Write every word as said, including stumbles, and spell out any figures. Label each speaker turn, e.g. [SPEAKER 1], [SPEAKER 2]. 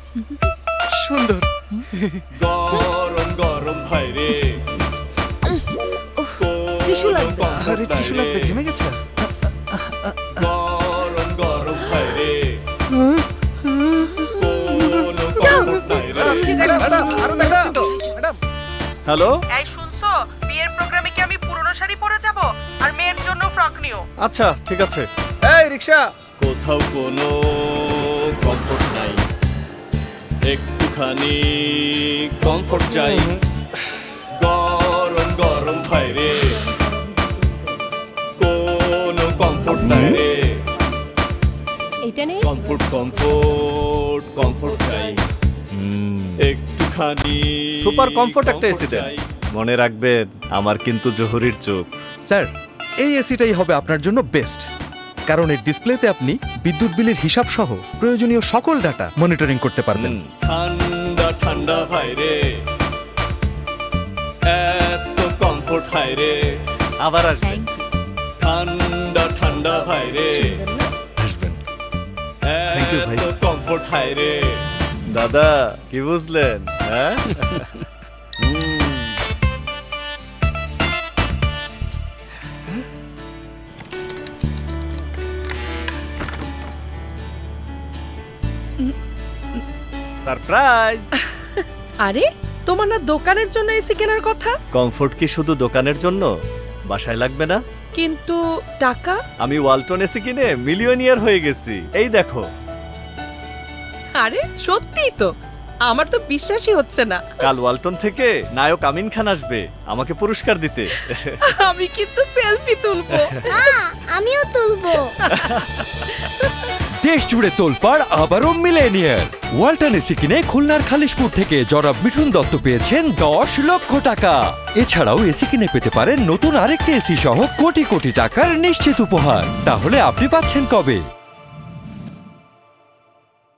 [SPEAKER 1] সুন্দর।
[SPEAKER 2] গরম গরম ভাই রে,
[SPEAKER 3] টিস্যু লাগবে।
[SPEAKER 1] আরে টিস্যু লাগবে, ঘেমে গেছে।
[SPEAKER 2] গরম গরম ভাই রে, কোনো কমফোর্ট নাই রে।
[SPEAKER 1] আরো দেখাচ্ছি তো ম্যাডাম।
[SPEAKER 4] হ্যালো,
[SPEAKER 5] এই শুনছো, বিয়ের প্রোগ্রামে কি আমি পুরনো শাড়ি পরে যাব আর মেয়ের জন্য ফ্রক নিও?
[SPEAKER 4] আচ্ছা ঠিক আছে।
[SPEAKER 1] এই রিকশা।
[SPEAKER 2] কোথাও কোনো কমফোর্ট নাই, একটুখানি কমফোর্ট চাই। গরম গরম ভাই রে, কোনো কমফোর্ট নাই রে।
[SPEAKER 3] এটা নেই।
[SPEAKER 2] কমফোর্ট কমফোর্ট কমফোর্ট চাই, একটুখানি
[SPEAKER 4] সুপার কমফোর্ট একটা এসি
[SPEAKER 2] comfort
[SPEAKER 4] দেন।
[SPEAKER 2] চাই।
[SPEAKER 4] মনে রাখবেন আমার কিন্তু জহুরির চোখ।
[SPEAKER 6] স্যার, এই এসিটাই হবে আপনার জন্য বেস্ট, কারণ এর ডিসপ্লেতে আপনি বিদ্যুৎ বিলের হিসাব সহ প্রয়োজনীয় সকল ডাটা মনিটরিং করতে পারবেন।
[SPEAKER 4] হুম,
[SPEAKER 2] ঠান্ডা ঠান্ডা ভাই রে, এত কমফোর্ট হাই রে।
[SPEAKER 4] আবার আসবেন।
[SPEAKER 2] ঠান্ডা ঠান্ডা ভাই রে,
[SPEAKER 6] আসবেন।
[SPEAKER 4] Thank you, ভাই।
[SPEAKER 2] এত কমফোর্ট হাই রে।
[SPEAKER 4] দাদা কি বুঝলেন? হ্যাঁ হুম, সারপ্রাইজ।
[SPEAKER 5] আরে তোমার না দোকানের জন্য এসি কেনার কথা?
[SPEAKER 4] কমফোর্ট কি শুধু দোকানের জন্য? বাসায় লাগবে না?
[SPEAKER 5] কিন্তু টাকা?
[SPEAKER 4] আমি ওয়ালটন এসি কিনে মিলিয়নিয়ার হয়ে গেছি, এই দেখো।
[SPEAKER 5] আরে সত্যিই তো, আমার তো বিশ্বাসই হচ্ছে না।
[SPEAKER 4] কাল ওয়ালটন থেকে নায়ক আমিন খান আসবে আমাকে পুরস্কার দিতে।
[SPEAKER 5] আমি কিন্তু সেলফি তুলবো।
[SPEAKER 3] আমিও তুলবো।
[SPEAKER 6] দেশ জুড়ে তোলপাড় আবারও মিলেনিয়ার। ওয়ালটন এসি কিনে খুলনার খালিশপুর থেকে জনাব মিঠুন দত্ত পেয়েছেন দশ লক্ষ টাকা। এছাড়াও এসি কিনে পেতে পারেন নতুন আরেকটি এসি সহ কোটি কোটি টাকার নিশ্চিত উপহার। তাহলে আপনি পাচ্ছেন কবে?